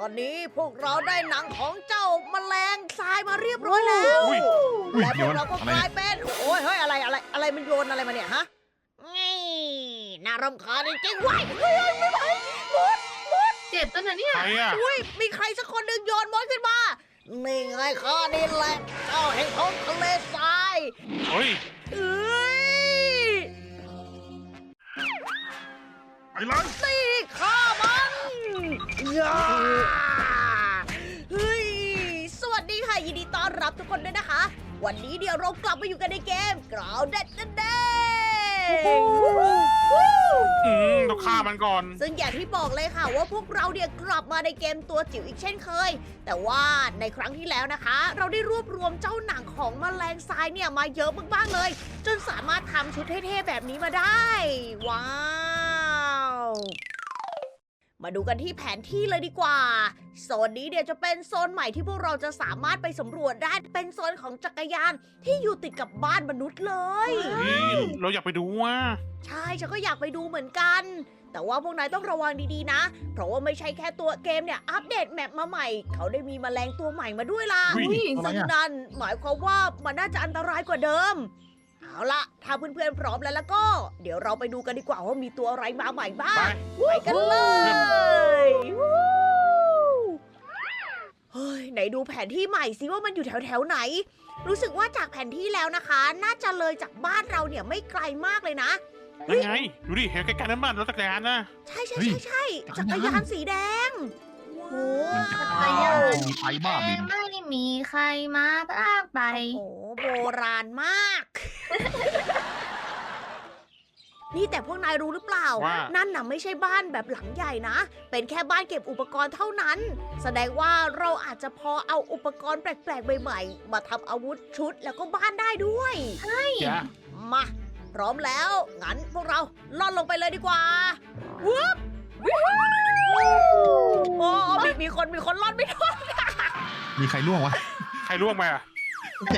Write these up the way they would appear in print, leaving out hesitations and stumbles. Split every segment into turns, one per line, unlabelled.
อนนี้พวกเราได้หนังของเจ้าแมลงทรายมาเรียบร้อยแล้ว
อุ้ย
และพวกเราก็
อะไร
กลายเป็นโอ้ยเฮ้ยอะไรมันโยนอะไรมาเนี่ยฮะนี่น่ารำคาญจริงๆว้ายเฮ้ยไม่ไหวมด
เจ็บตัวนะเนี่ย
ใครอ่ะ
อุ้ยมีใครสักคนหนึ่งโยนมดขึ้นมานี่ไงข้านี่แหละเจ้าแห่งท้องทะเลทราย
เฮ้ย
เอ้ย
ไปเลย
ตีข้ามันอย่าเฮ้ยสวัสดีค่ะยินดีต้อนรับทุกคนด้วยนะคะ วันนี้เดี๋ยวเรากลับมาอยู่กันในเกม Grounded นั่นเอง
ต้องฆ่ามันก่อน
ซึ่งอย่างที่บอกเลยค่ะว่าพวกเราเนี่ยกลับมาในเกมตัวจิ๋วอีกเช่นเคย แต่ว่าในครั้งที่แล้วนะคะ เราได้รวบรวมเจ้าหนังของแมลงทรายเนี่ยมาเยอะมากๆเลย จนสามารถทำชุดเท่ๆแบบนี้มาได้ ว้าว มาดูกันที่แผนที่เลยดีกว่า โซนนี้เดี๋ยวจะเป็นโซนใหม่ที่พวกเราจะสามารถไปสำรวจได้ เป็นโซนของจักรยานที่อยู่ติดกับบ้านมนุษย์เลย
เราอยากไปดูว่า
ใช่ฉันก็อยากไปดูเหมือนกัน แต่ว่าพวกนายต้องระวังดีๆนะ เพราะว่าไม่ใช่แค่ตัวเกมเนี่ยอัปเดตแมปมาใหม่ เขาได้มีแมลงตัวใหม่มาด้วยล่ะ
อุ๊ย
อะไร
ซึ่ง
อ่ะ
นั่นหมายความว่ามันน่าจะอันตรายกว่าเดิม เอาล่ะ ถ้าเพื่อนๆพร้อมแล้วก็ เดี๋ยวเราไปดูกันดีกว่าว่ามีตัวอะไรมาใหม่บ้า
ไป
ง ไปกันเลยวู้เฮ้ยไหนดูแผนที่ใหม่สิว่ามันอยู่แถวๆไหน รู้สึกว่าจากแผนที่แล้วนะคะ น่าจะเลยจากบ้านเราเนี่ยไม่ไกลมากเลยนะ
ยังไง ดูดิ เห็นใกล้ๆนั้นบ้านรถจักรยานนะ
ใช่
เฮ้ย
ใช่
จั
จั
ก
ก
ร
ร
ยาน
ยานสีแดง
มันจะ
จักรยาน
มีไฟบ้าบิน
ไม่ได้มีใครมาลากไป
โอ้โหโบราณมาก นี่แต่พวกนายรู้หรือเปล่า
ว่า
นั่นน่ะไม่ใช่บ้านแบบหลังใหญ่นะ เป็นแค่บ้านเก็บอุปกรณ์เท่านั้น แสดงว่าเราอาจจะพอเอาอุปกรณ์แปลกๆใหม่ๆมาทำอาวุธชุดแล้วก็บ้านได้ด้วย
จ้ะ
มา พร้อมแล้ว งั้นพวกเราล่อนลงไปเลยดีกว่าวุ๊บโอ้มีคนล่อนไม่ทัน
มีใครล่วงวะ
ใครล่วงไปอ่ะ
เอง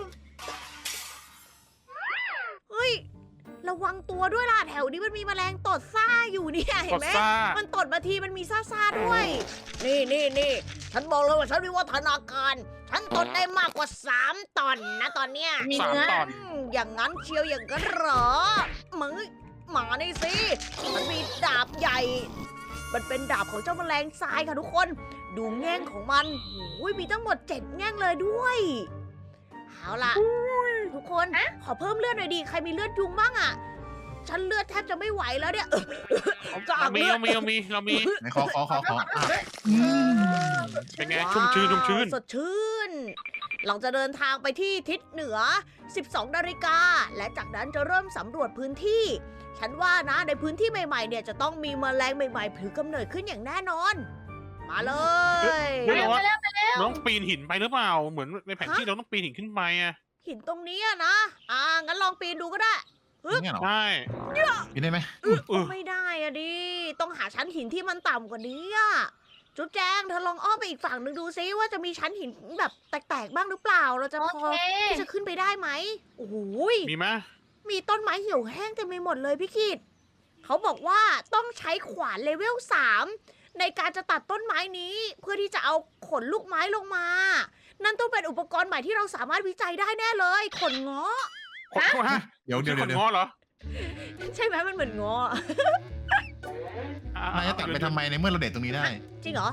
เฮ้ย ระวังตัวด้วยล่ะ แถวนี้มันมีแมลงตดซ่าอยู่เนี่ยเห็
ก
น
ด
ไหม
ซ่า
มันตดมาทีมันมีซ่าๆด้วย นี่ ฉันบอกเลยว่าฉันวิวัฒนาการ ฉันตดได้มากกว่า 3 ตอนนะตอนเนี้ย
มี
สาม
เนื้อ
ตอน
อย่างนั้นเชียวอย่างนั้นเหรอมึงหมานี่สิ มันมีดาบใหญ่ มันเป็นดาบของเจ้าแมลงทรายค่ะทุกคน ดูแง่งของมันโอ้ยมีทั้งหมด 7 แง่งเลยด้วย เอาล่ะ ทุกคน ขอเพิ่มเลือดหน่อยดี ใครมีเลือดยุงบ้างอ่ะ ฉันเลือดแทบจะไม่ไหวแล้วเนี่ย เขาจะ
เรามี
เลือด
เรามี
ไหนขออ่ะม
เป็นไง ชุ่มชื้น ชุ่มชื้น
สดชื่น เราจะเดินทางไปที่ทิศเหนือ 12 นาฬิกา และจากนั้นจะเริ่มสำรวจพื้นที่ ฉันว่านะในพื้นที่ใหม่ๆ เนี่ยจะต้องมีแมลงใหม่ๆผือกำเนิดขึ้นอย่างแน่นอน มาเลย
เฮ้ย
ไปแล้วไปแล้ว
เราต้องปีนหินไปหรือเปล่า เหมือนในแผนที่เราต้องปีนหินขึ้นไปอ่ะ
หินตรงนี้อะนะ งั้นลองปีนดูก็ได้
เนี่ยเหรอ
ใช่
กินได้ไหม
ไม่ได้อะดิ ต้องหาชั้นหินที่มันต่ำกว่านี้อะจุ๊บแจงเธอลองอ้อมไปอีกฝั่งหนึ่งดูซิว่าจะมีชั้นหินแบบแตกๆบ้างหรือเปล่า เราจะ
โอ
พอ
เค
ที่จะขึ้นไปได้ไหมโอ้โหย
มีไหม
มีต้นไม้เหี่ยวแห้งเต็มไปหมดเลยพี่กิตเขาบอกว่าต้องใช้ขวานเลเวล 3 ในการจะตัดต้นไม้นี้ เพื่อที่จะเอาขนลูกไม้ลงมา นั่นต้องเป็นอุปกรณ์ใหม่ที่เราสามารถวิจัยได้แน่เลย ขนเงาะ
ฮะ
เดี๋ยว
คนง้อเหรอ
ใช่ไหมมันเหมือนเงาะ
นายจะตัดไปทำไมในเมื่อเราเด็ดตรงนี้ได้
จริงเหรอ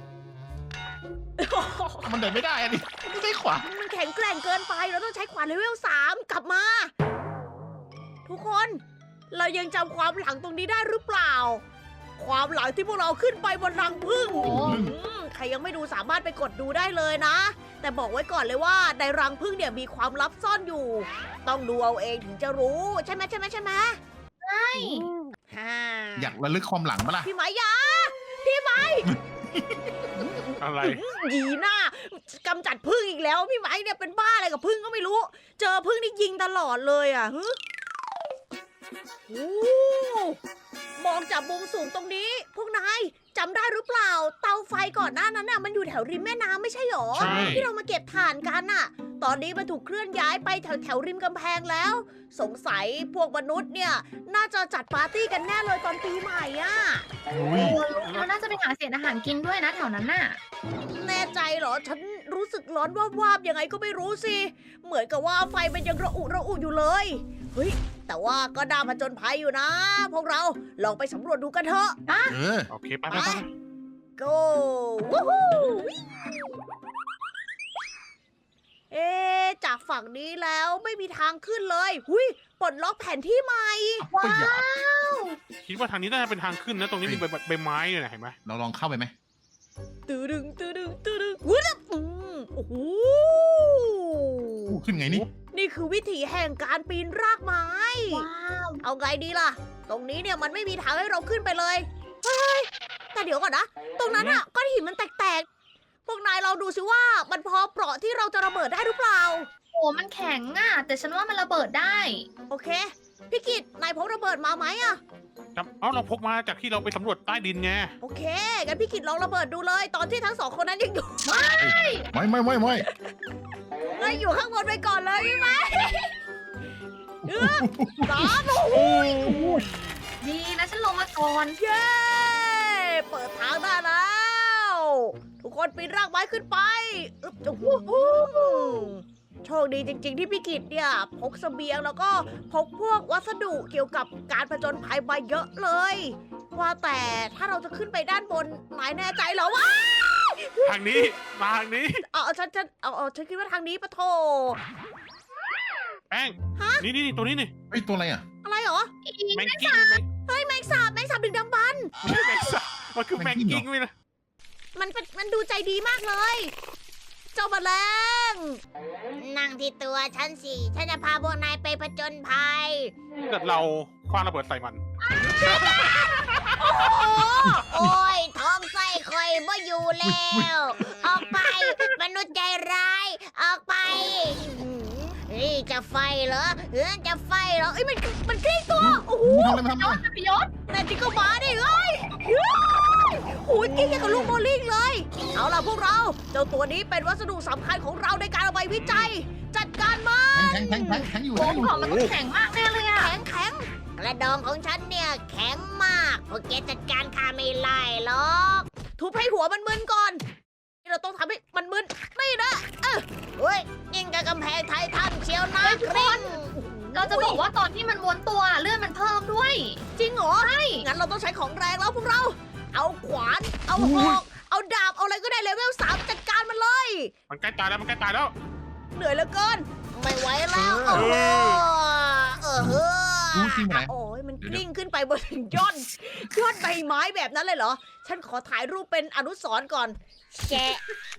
มันเด็ดไม่ได้อะดิไม่ได้ขวา
มันแข็งแกร่งเกินไป เราต้องใช้ขวานเลเวล 3 กลับมา ทุกคน เรายังจำความหลังตรงนี้ได้หรือเปล่า ความหลังที่พวกเราขึ้นไปบนรังผึ้ง
โอ้
ใครยังไม่ดูสามารถไปกดดูได้เลยนะ แต่บอกไว้ก่อนเลยว่าในรังผึ้งเนี่ยมีความลับซ่อนอยู่ ต้องดูเอาเองถึงจะรู้ ใช่ไหมฮ่า
อยากระลึกความหลังปะล่ะ
พี่ไหมยาพี่ไหม
อะไร
หยีหน้ากำจัดผึ้งอีกแล้ว พี่ไหมเนี่ยเป็นบ้าอะไรกับผึ้งก็ไม่รู้ เจอผึ้งนี่ยิงตลอดเลยอ่ะฮึโอ้มองจากมุมสูงตรงนี้ พวกนายจำได้หรือเปล่า เตาไฟก่อนหน้านั้นน่ะมันอยู่แถวริมแม่น้ำไม่ใช่หรอ
ใช่
ที่เรามาเก็บถ่านกันน่ะ ตอนนี้มันถูกเคลื่อนย้ายไปแถวริมกำแพงแล้ว สงสัยพวกมนุษย์เนี่ย น่าจะจัดปาร์ตี้กันแน่เลยตอนปีใหม่อ่ะ
อุ้ย
เราน่าจะไปหาเศษอาหารกินด้วยนะแถวนั้นน่ะ
แน่ใจเหรอ ฉันรู้สึกร้อนวาบๆยังไงก็ไม่รู้สิ เหมือนกับว่าไฟมันยังระอุอยู่เลย เฮ้ย แต่ว่าก็น่าผจญภัยอยู่นะ พวกเราลองไปสำรวจดูกันเถอะ
เออ
โอเคไปไปไป
go วู้ฮู้เอ๊ะจากฝั่งนี้แล้วไม่มีทางขึ้นเลยหุยปลดล็อกแผนที่ใหม่
ก็อย่า
คิดว่าทางนี้น่าจะเป็นทางขึ้นนะ ตรงนี้มีใบไม้เลยนะเห็นไหม
เราลองเข้าไปไหม
ตื้อดึงตื้อดึงตื้อดึงวุ้ยโอ้โห
อู้ขึ้นไงนี่
นี่คือวิถีแห่งการปีนรากไม้
ว้าว
เอาไงดีล่ะ ตรงนี้เนี่ยมันไม่มีทางให้เราขึ้นไปเลย เฮ้ย แต่เดี๋ยวก่อนนะ ตรงนั้นอะก้อนหินมันแตกๆ พวกนายลองดูสิว่ามันพอเปราะที่เราจะระเบิดได้หรือเปล่า
โอ้มันแข็งอ่ะ แต่ฉันว่ามันระเบิดได้
โอเค พี่กิตนายพกระเบิดมาไหมอะ
เราพกมาจากที่เราไปสำรวจใต้ดินไง
โอเค งั้นพี่กิตลองระเบิดดูเลย ตอนที่ทั้งสองคนนั้นยังอยู่
ไม่
นายอยู่ข้างบนไปก่อนเลยใช่ไหมสาม
ดีนะฉันลงมาก่อน
เย้ เปิดทางได้แล้ว ทุกคนปีนรากไม้ขึ้นไปอึ๊บโอ้โหโชคดีจริง ๆ ที่พี่กิตเนี่ยพกเสบียงแล้วก็พกพวกวัสดุเกี่ยวกับการผจญภัยมาเยอะเลย ว่าแต่ถ้าเราจะขึ้นไปด้านบนนายแน่ใจเหรอวะ
ทางนี้มาทางนี้
ฉันคิดว่าทางนี้ปะโถ
แป้งนี่ตัวนี้นี่
เฮ้ยตัวอะไรอ่ะ
อะไรเหรอ
แมงกิ้ง
เฮ้ยแมงสาบดึงดำบรรพ์
ไม่ใช่แมงสาบมันคือแมงกิ้งไม่นะ
มันดูใจดีมากเลย เจ้าแมลงนั่งที่ตัวฉันสิ ฉันจะพาพวกนายไปผจญภัย
เกิดเราคว้างระเบิดใส่มัน
โอ้ยท้องไส้คอยบ่อยู่แล้ว ออกไป มนุษย์ใจร้าย ออกไปนี่จะไฟเหรอจะไฟเหรอเอ้ยมันกลิ้งตัว โอ้โห
ทำอะไรมาทำอะไร
มันประโยชน์
แน่จริงก็มาดิเอ้ยโอ้ยกลิ้งอย่างกับลูกโบลิ่งเลย เอาล่ะพวกเรา เจ้าตัวนี้เป็นวัสดุสำคัญของเราในการเอาไปวิจัย จัดการมา
แทงอยู่
โอ้ของมันต้องแข็งมากแน่เลยอ่ะ
แข็งกระดองของฉันเนี่ยแข็งมากพวกแกจัดการข้าไม่ไล่หรอกทุบให้หัวมันมึนก่อนเราต้องทำให้มันมึนนี่นะเฮ้ยยิงกับกำแพงไททันเชียวนะกริ้ง
เราจะบอกว่าตอนที่มันม้วนตัวเลื่อนมันเพิ่มด้วย
จริงเหรอใช่งั้นเราต้องใช้ของแรงแล้วพวกเรา เอาขวานเอาหอกเอาดาบเอาอะไรก็ได้เลเวล 3จัดการมันเลย
มันใกล้ตายแล้วมันใกล้ตายแล้ว
เหนื่อยเหลือเกินไม่ไหวแล้วโอ้โหเฮ้อ
รู้จริงไหม
โอ้ยมันกลิ้งขึ้นไปบนยอดใบไม้แบบนั้นเลยเหรอ ฉันขอถ่ายรูปเป็นอนุสรณ์ก่อนแชะ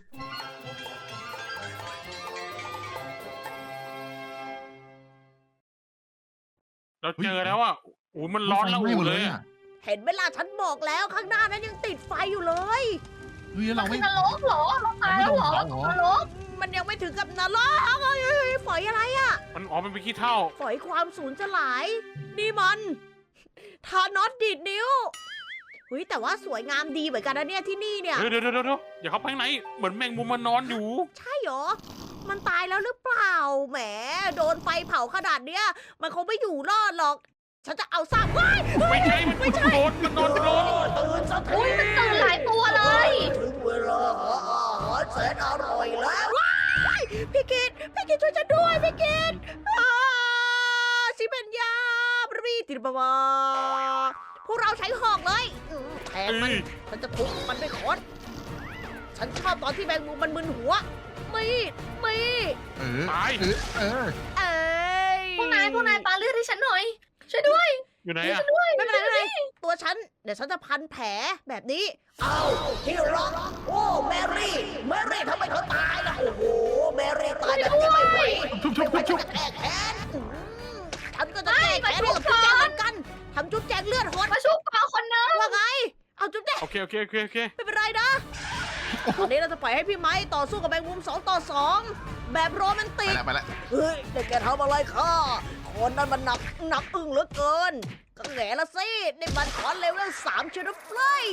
เราเจอแล้วอ่ะโอ้มันร้อนแล้ว
ไม่หมด
เล
เลย ย
อะ
อ่ะ
เห็นเวลาฉันบอกแล้วข้างหน้านั้นยังติดไฟอยู่เลย
เฮ้ยเรา
คื
ไม่
อนรกเหรอเราตายแล้วเหรอ
เราไม่โดนเผาเหรอ
นรก
มันยังไม่ถึงกับนรกเฮ้ยฝอยอะไรอะ
มันเป็นขี้เท่า
ฝอยความสูญสลาย นี่มันทานอสดีดนิ้วเฮ้ยแต่ว่าสวยงามดีเหมือนกันนะเนี่ยที่นี่เนี่ย
เดี๋ยวอย่าเข้าไปข้างในเหมือนแมงมุมมันนอนอยู่
ใช่เหรอ มันตายแล้วหรือเปล่า แหม โดนไฟเผาขนาดเนี้ย มันคงไม่อยู่รอดหรอก ฉันจะเอาซากว้าย
ไม่ใช่มันโดนมันนอนโดน
ตื่นสักที
อุ้ยมันตื่นหลายตัวเลย
ถึงเวลาหาอาหารแสนอร่อยแล้วว้ายพี่กิตช่วยฉันด้วยพี่กิตสิเป็นยาบรีติบาวาพวกเราใช้หอกเลยแทงมัน ฉันจะทุบมันด้วยค้อนฉันชอบตอนที่แมงมุมมันมึนหัวไม่
ตาย
เอ้ย
พวกนายปาเลือดให้ฉันหน่อย ช่วยด้วย
อยู่ไหนอ่ะ
ไม่เป็นไรตัวฉัน เดี๋ยวฉันจะพันแผลแบบนี้ เอาที่รักโอ้แมรี่ทำไมเธอตายล่ะโอ้โหแมรี่ตายแบบนี้ไม่ไหว
ชุบ
ฉันจะแก้แค้นฉันก็จะแก้แค้นกับจุ๊บแจงเหมือนกันทำจุ๊บแจงเลือดหด
มาชุบก่อนคนนึง
ว่าไง เอาจุ๊บแจง
โอเค
ไม่เป็นไรนะตอนนี้เราจะปล่อยให้พี่ไม้ต่อสู้กับแมงมุม2 ต่อ 2 แบบโรแมน
ไป
ติก
แล้วไปแล้ว
เฮ้ยแต่แกทำอะไรข้าคนนั้นมันหนักอึ้งเหลือเกิน ก็แง่ละสินี่มันขอเลเวล3เชนเฟลย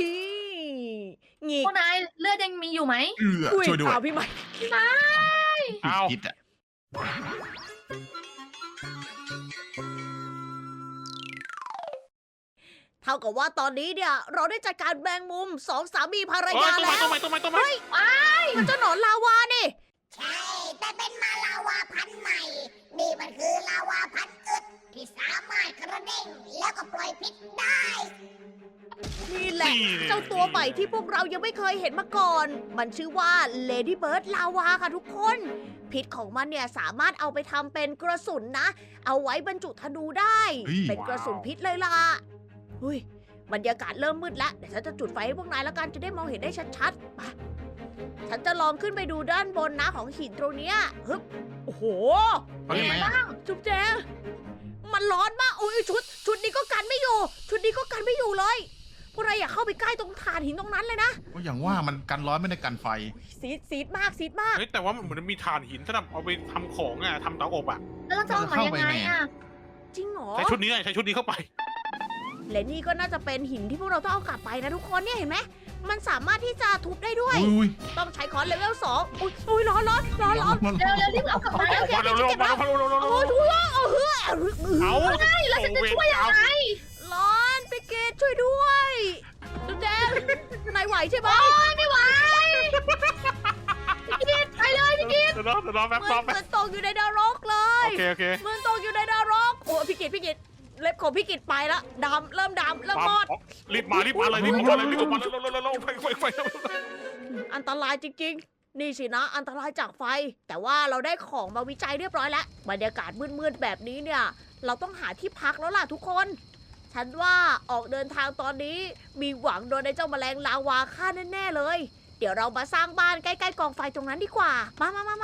งีก
พวกนายเลือดยังมีอยู่ไหม
ช่วยด้วย
เอาพี่ไม้
เอา
คิดอ่ะ
เท่ากับว่าตอนนี้เนี่ย เราได้จัดการแมงมุม2 สามีภรร
เอ้
ยาย
ต้น
แล้
ไม้
ว
ต้นไม้ต้นไม้ต้นไม้
มันเจ้าหนอนลาวานี่
ใช่ แต่เป็นมาลาวาพันธุ์ใหม่ นี่มันคือลาวาพันธุ์อึดที่สามารถกระเด้งแล้วก็ปล่อยพิษได้
นี่แหละ เจ้าตัวใหม่ที่พวกเรายังไม่เคยเห็นมาก่อน มันชื่อว่า Lady Bird ลาวาค่ะทุกคน พิษของมันเนี่ยสามารถเอาไปทำเป็นกระสุนนะ เอาไว้บรรจุธนูได้ เป็นกระสุนพิษเลยล่ะหุ้ยบรรยากาศเริ่มมืดแล้ว เดี๋ยวฉันจะจุดไฟให้พวกนายแล้วกันจะได้มองเห็นได้ชัดๆไปฉันจะลองขึ้นไปดูด้านบนนะของหินตรงเนี้ยฮึบโอ้โห
เขาได้ไหมอะ
จุ๊บแจงมันร้อนมากโอ้ยชุดนี้ก็กันไม่อยู่ ชุดนี้ก็กันไม่อยู่เลยพวกเราอย่าเข้าไปใกล้ตรงถ่านหินตรงนั้นเลยนะ
ก็อย่างว่ามันกันร้อนไม่ได้กันไฟ
ซีดมากซีดมาก
เฮ้ยแต่ว่ามันเหมือนมีถ่านหินสำหรับเอาไปทำของอ่ะทำเตาอบอ่ะ
แล้วเราจะออกมายังไงอ่ะ
จริงเหรอ
ใช้ชุดนี้ใช้ชุดนี้เข้าไป
และนี่ก็น่าจะเป็นหินที่พวกเราต้องเอากลับไปนะทุกคนเนี่ยเห็นไหมมันสามารถที่จะทุบได้ด้วย
อุ้ย
ต้องใช้ค้อนเลเวล2อุ้ยร้อน
ร้อน
เร็วเร็วรีบเอากลับมา
มาเร็วๆมาเร็วๆ
โอ้ยทุกคน
เอา
แล้วฉันจะช่วยยังไง
ร้อนไปเกตช่วยด้วยจุ๊บแจงนายไหวใช่ไหม
ไม่ไหวพี่กิตไปเลยพี่กิต
เดี๋ยวรอแป๊บรอแป๊บ
มันตกอยู่ในนรกเลย
โอเค
มันตกอยู่ในนรกโอ้พี่กิตเล็บของพี่กิตไปละเริ่มมอด
รีบมาเลยรีบออกมาเลยไฟ
อันตรายจริงๆ นี่สินะ อันตรายจากไฟ แต่ว่าเราได้ของมาวิจัยเรียบร้อยแล้ว บรรยากาศมืดๆแบบนี้เนี่ย เราต้องหาที่พักแล้วล่ะทุกคน ฉันว่าออกเดินทางตอนนี้มีหวังโดนในเจ้าแมลงลาวาฆ่าแน่ๆเลย เดี๋ยวเรามาสร้างบ้านใกล้ๆกองไฟตรงนั้นดีกว่า มา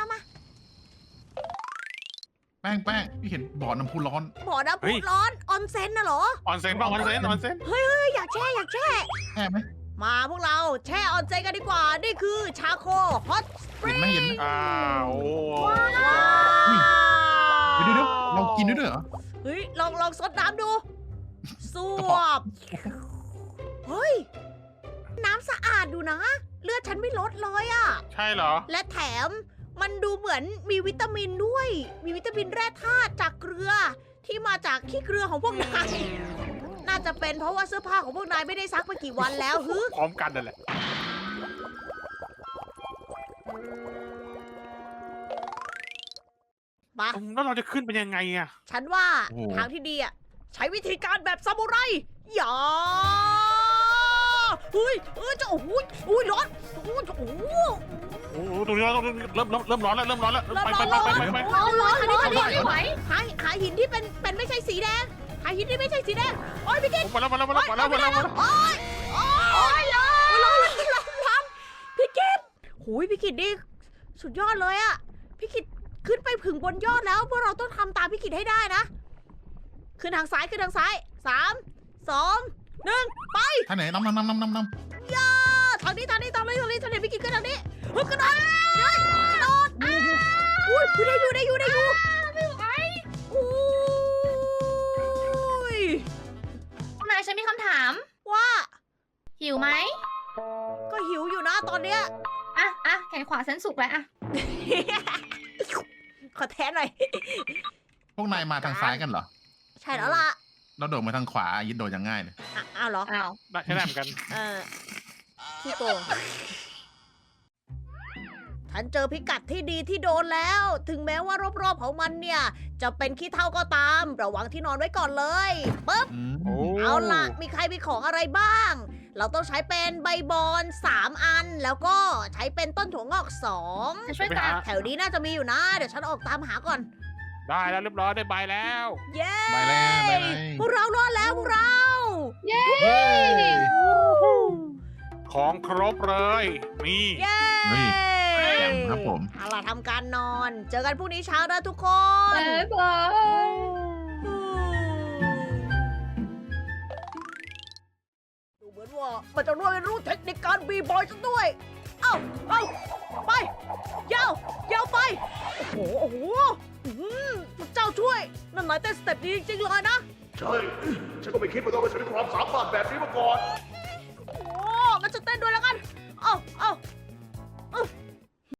แป้งพี่เห็นบ่อน้ำพุร้อน
บ่อน้ำพุร้อนออนเซ็นน่ะเหรอ
ออนเซนป่ะออนเซน
เฮ้ยอยากแช่
แค่ไหม
มาพวกเราแช่ออนเซ็นกันดีกว่า นี่คือชาโคฮอตสปริ
เห็น
ง
ไหมเห็นไหม
อ้าว
เดี๋ยวเรากินด้วยเหรอ
เฮ้ยลองซดน้ำดูสวบเฮ้ย น้ำสะอาดดูนะ เลือดฉันไม่ลดเลยอะ
ใช่เหรอ
และแถมมันดูเหมือนมีวิตามินด้วย มีวิตามินแร่ธาตุจากเกลือที่มาจากขี้เกลือของพวกนาย น่าจะเป็นเพราะว่าเสื้อผ้าของพวกนายไม่ได้ซักมากี่วันแล้วฮึ
พร้อมกันนั่นแหละ
มา
แล้วเราจะขึ้นเป็นยังไงอ่ะ
ฉันว่า
โอ้โห
ทางที่ดีอ่ะ ใช้วิธีการแบบซามูไรอย่าเฮ้ยจะโอ้ยร้อนโอ้โห
โอ้โหตรงนี้เริ่มร้อนแล้วไป
ร้อน
คันนี้ไม่ไหว
หาหินที่เป็นไม่ใช่สีแดงหาหินที่ไม่ใช่สีแดงโอ้ยพี่กิ๊ก
มาแล้ว
โอ้ยร้อนพี่กิ๊กหูยพี่กิ๊กนี่สุดยอดเลยอะพี่กิ๊กขึ้นไปถึงบนยอดแล้วพวกเราต้องทำตามพี่กิ๊กให้ได้นะขึ้นทางซ้าย3 2 1ไป
ท่านไหนน้ำ
ทางนี้ฉันเห็นพี่กิ๊กขึ้นทางนี้ฮึบกระโดดอุ้ยได้อยู่ไม่ไหวอุ้ย
นายฉันมีคำถาม
ว่า
หิวไหม
ก็หิวอยู่นะตอนเนี้ย
อ่ะแขนขวาฉันสุกแล้วอ่ะ
ขอแทนหน่อย
พวกนายมาทางซ้ายกันเหรอ
ใช่แล้วล่ะ
เราโดดมาทางขวายิดโดดยังง่ายเลย
อ้าวเหรอ
อ้าว
ใช่ได้เหมือนกัน
พี่โกงฉันเจอพิกัดที่ดีที่โดนแล้ว ถึงแม้ว่ารอบๆของมันเนี่ย จะเป็นขี้เถ้าก็ตาม ระวังที่นอนไว้ก่อนเลยปึ๊บ เอาล่ะ มีใครมีของอะไรบ้าง เราต้องใช้เป็นใบบอน3 อัน แล้วก็ใช้เป็นต้นถั่วงอก
จะช่วยตัด
2 แถวนี้น่าจะมีอยู่นะ เดี๋ยวฉันออกตามหาก่อน
ได้แล้วเรียบร้อยได้ใบแล้ว
เย้
ไปแล้ว
พวกเรารอดแล้วพวกเรา
เย้
ของครบเลยนี่
เย้
แจ่มครับผม
เอาล่ะทำการนอน เจอกันพรุ่งนี้เช้านะทุกคน
บ๊ายบาย
ดูเหมือนว่ามันจะรู้เทคนิคการบีบอยซะด้วยเอาไปยาวยาวไปโอ้โหพระเจ้าช่วยนั่นนายเต้นสเต็ปดีจริงๆเลยนะ
ใช่ ฉันก็ไม่คิดว่าต้องมาใช้ความสามารถแบบนี้มาก่อน
โอ้งั้นจะเต้นด้วยแล้วกันเอา